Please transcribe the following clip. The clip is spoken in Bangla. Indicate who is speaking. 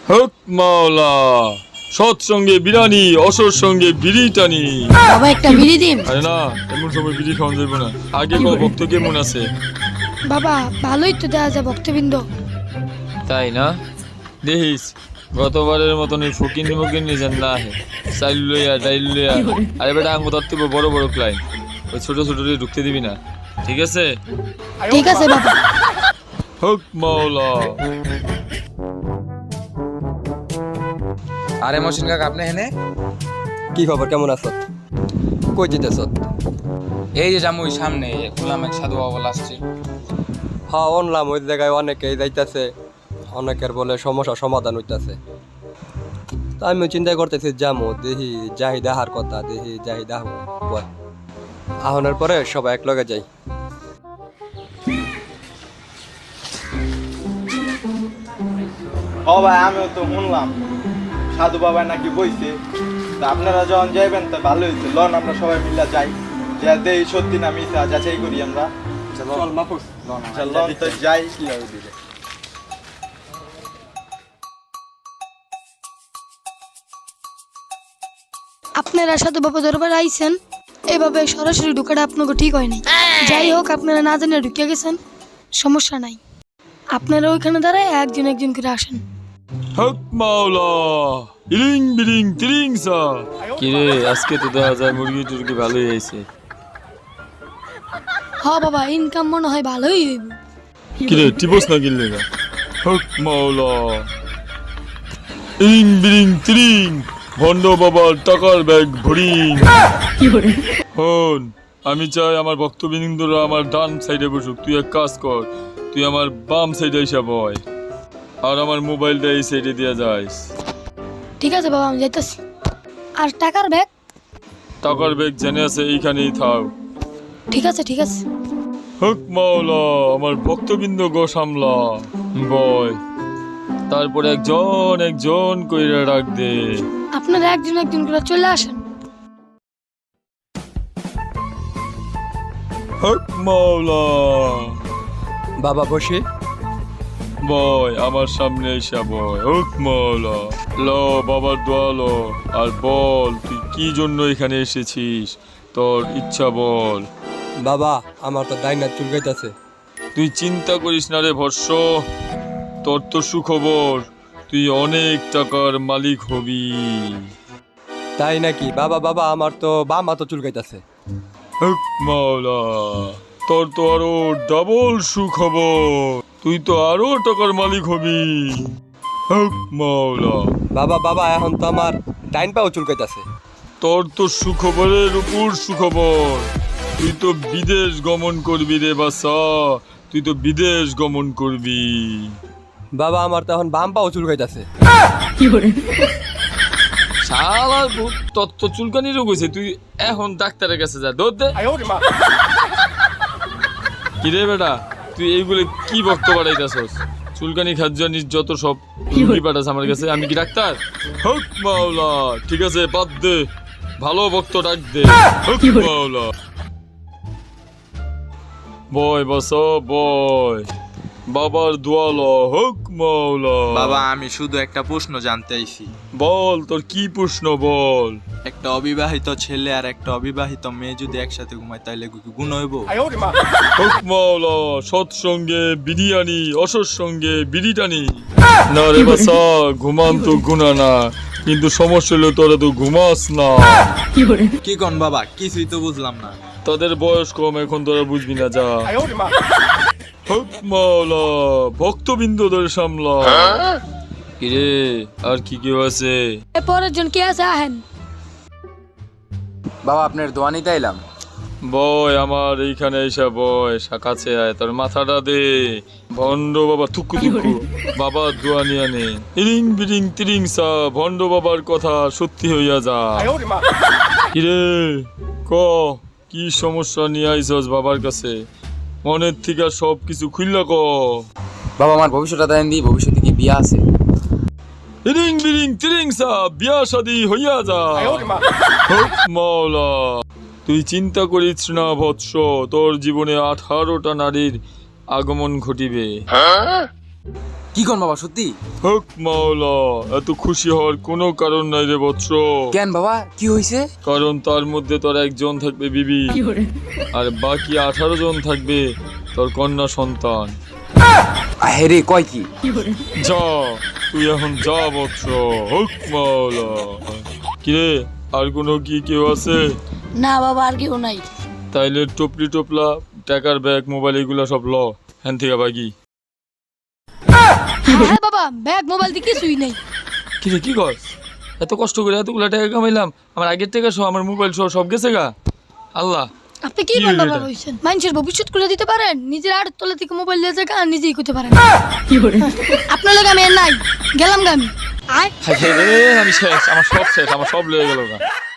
Speaker 1: হক মাওলা, সৎসঙ্গে বিরানি, অসৎ সঙ্গে বিড়ি টানি।
Speaker 2: বাবা একটা বিড়ি দিন।
Speaker 1: আরে না, এমন সময় বিড়ি খাওয়া যাবে না। আগে কো ভক্ত কেমন আছে?
Speaker 2: বাবা ভালোই তো দেওয়া যায় ভক্তবৃন্দ।
Speaker 1: তাই না? দেখিস গতবারের মতন এই ফকিনি মকিনি যেন না আহে। চাইল লইয়া ডাইল লইয়া, আরে বেটা আঙ্গু ধরতে বড় বড় ক্লাইন, ওই ছোট ছোট ঢুকতে দিবি না, ঠিক আছে?
Speaker 2: ঠিক আছে বাবা।
Speaker 1: হক মাওলা।
Speaker 3: আরে মহসিন কাকা, আপনি হেনে?
Speaker 4: কি খবর, কেমন আছো? কই যেতেছ?
Speaker 3: এই যে যাম ওই সামনে খুললাম, এক সাধু বাবা আসছে।
Speaker 4: হ্যাঁ অনলাম, ওই জায়গায় অনেকেই যাইতেছে, অনেকের বলে সমস্যা সমাধান হইতাছে। তা আমি চিন্তা করতেছি যামো, দেখি যাই দেখার কথা, দেখি যাই দেখ আহনের পরে সবাই এক লগে যাই।
Speaker 5: ও ভাই, আমিও তো শুনলাম সাধু বাবা নাকি বইছে। তা আপনারা যখন যাইবেন তা ভালো হয়েছে, লন আমরা সবাই মিলে যাই, যা দেই সত্যি না মিথ্যা যাচাই করি আমরা। চল মাহফুজ, লন তো যাই।
Speaker 2: আপনারা সাথে বাবা দরবার আইছেন, এভাবে সরাসরি ঢুকাটা আপনাকে ঠিক হয়নি। যাই হোক, আপনারা না জানে ঢুকে গেছেন, সমস্যা নাই। আপনারা ওইখানে দাঁড়ায় একজন একজন করে আসেন।
Speaker 1: হক মাওলা, ইরিং বিরিং তিরিং সা। কিরে আজকে তো দেখা যায় মুরগি টুরগি ভালোই হয়েছে।
Speaker 2: হ বাবা, ইনকাম মনে হয় ভালোই হইব।
Speaker 1: কিরে টিপস না গিললে না? হক মাওলা, ইরিং বিরিং তিরিং, ভণ্ড বাবার টাকার ব্যাগ ভরিং। হন, আমি চাই আমার ভক্তবৃন্দরা আমার ডান সাইডে বসুক। তুই এক কাজ কর, তুই আমার বাম সাইডে এসে বয়, আর আমার মোবাইলটা এই সাইডে দিয়ে যাইস।
Speaker 2: ঠিক আছে বাবা, আমি যাইতেছি। আর টাকার ব্যাগ?
Speaker 1: টাকার ব্যাগ জেনে আছে এইখানেই থাক।
Speaker 2: ঠিক আছে ঠিক আছে।
Speaker 1: হক মাওলা, আমার ভক্তবৃন্দ গো সামলা বয়, তারপরে একজন একজন কইরা ডাক দে।
Speaker 2: আপনারা একজন একজন করে চলে আসেন।
Speaker 1: হক মাওলা,
Speaker 4: বাবা বসি।
Speaker 1: বয় আমার সামনে এসে বয়। হক মাওলা, ল বাবার দোয়া ল, আর বল তুই কি জন্য এখানে এসেছিস, তোর ইচ্ছা বল।
Speaker 4: বাবা আমার তো ডাইনা চুলকাইতেছে।
Speaker 1: তুই চিন্তা করিস না রে ভর্ষ, তোর তো সুখবর, তুই অনেক টাকার মালিক হবি।
Speaker 4: তাই নাকি? বাবা বাবা আমার তো বাম হাতও চুলকাইতেছে।
Speaker 1: হক মাওলা, তোর তো আরো ডাবল সুখবর, তুই তো আরো টাকার মালিক হবি। হক মাওলা,
Speaker 4: বাবা বাবা এখন তো আমার ডাইন পাও চুলকাইতেছে।
Speaker 1: তোর তো সুখবরের উপর সুখবর, তুই তো বিদেশ গমন করবি রে বাসা, তুই তো বিদেশ গমন করবি।
Speaker 4: বাবা আমার তো এখন বাম পাও চুলকাইতেছে।
Speaker 1: শালা তোর তো চুলকানি রোগ হয়েছে, তুই এখন ডাক্তারের কাছে যা, দৌড় দে। কি রে বেটা, তুই এইগুলো কি বক্ত বাড়াইতেছস? চুলকানি খাদ্যানিস যত সব রুগী পাঠাস আমার কাছে, আমি কি ডাক্তার? হক মাওলা, ঠিক আছে বাদ দে, ভালো বক্ত ডাক দে। হক মাওলা, বয় বস বয়, বাবার দোয়া ল। হক মাওলা।
Speaker 5: বাবা, আমি শুধু একটা প্রশ্ন জানতে আইছি।
Speaker 1: বল, তোর কি প্রশ্ন বল।
Speaker 5: একটা অবিবাহিত ছেলে আর একটা অবিবাহিত মেয়ে যদি একসাথে ঘুমায় তাহলে কি গুণ হইব?
Speaker 1: হক মাওলা, সৎসঙ্গে বিরিয়ানি, অসৎ সঙ্গে বিড়ি টানি। না রে বাসা, ঘুমান তো গুণা না, কিন্তু সমস্যা হলো তোরা তো ঘুমাস না।
Speaker 5: কি কোন বাবা, কিছুই তো বুঝলাম না।
Speaker 1: তোদের বয়স কম, এখন তোরা বুঝবি না, যা। হক মাওলা, ভক্তবৃন্দদের সামলা। কিরে আর কি কেউ আছে?
Speaker 2: পরের জন কে আছে আহেন।
Speaker 3: বাবা আপনার দোয়া নিতে এলাম।
Speaker 1: বয় আমার এইখানে এসে বয়, কাছে আয়, তোর মাথাটা দে। ভণ্ড বাবা থুকু থুকু, বাবা দোয়া নিয়ে নে। ইরিং বিরিং তিরিং সা, ভণ্ড বাবার কথা সত্যি হইয়া যা। কিরে ক, কি সমস্যা নিয়ে আইসস বাবার কাছে? মনের থেকে সব কিছু খুললা ক।
Speaker 3: বাবা আমার ভবিষ্যৎটা দেন দি, ভবিষ্যতে কি বিয়া আছে?
Speaker 1: ইরিং বিরিং তিরিং সা, বিয়া শাদি হইয়া যা। হক মাওলা, তুই চিন্তা করিস না বৎস, তোর জীবনে 18টা নারীর আগমন ঘটিবে।
Speaker 3: কি কোন বাবা সত্যি?
Speaker 1: হক মাওলা, এত খুশি হওয়ার কোনো কারণ নাই রে বৎস।
Speaker 3: কেন বাবা কি হয়েছে?
Speaker 1: কারণ তার মধ্যে তোর একজন থাকবে বিবি, আর বাকি 18 জন থাকবে তোর কন্যা সন্তান।
Speaker 3: হেরে কয় কি?
Speaker 1: যা, তুই এখন যা বৎস। হক মাওলা। কিরে, আর কোনো কি কেউ আছে?
Speaker 2: না বাবা, আর কেউ নাই।
Speaker 1: তাইলে টপলি টোপলা, টাকার ব্যাগ, মোবাইল এগুলা সব ল হ্যান থেকে বাগি।
Speaker 2: হ্যাঁ বাবা, ব্যাগ মোবাইল দিয়ে কিছুই নেই।
Speaker 1: কিরে কি কর? এত কষ্ট করে এতগুলা টাকা কামাইলাম, আমার আগের টাকা সহ, আমার মোবাইল সহ সব গেছে গা। আল্লাহ,
Speaker 2: আপনি কি
Speaker 1: কি
Speaker 2: বলেন
Speaker 1: হলো
Speaker 2: বাবা?
Speaker 1: এটা?
Speaker 2: হইছেন মানুষের ভবিষ্যৎ করে দিতে পারেন, নিজের আড়ের তলা থেকে মোবাইল দিয়ে যায় আর নিজেই করতে পারেন। আপনার লোক আমি আর নাই, গেলাম গা আমি।
Speaker 1: হায় রে, আমি শেষ, আমার সব শেষ, আমার সব লেগে গেল গা।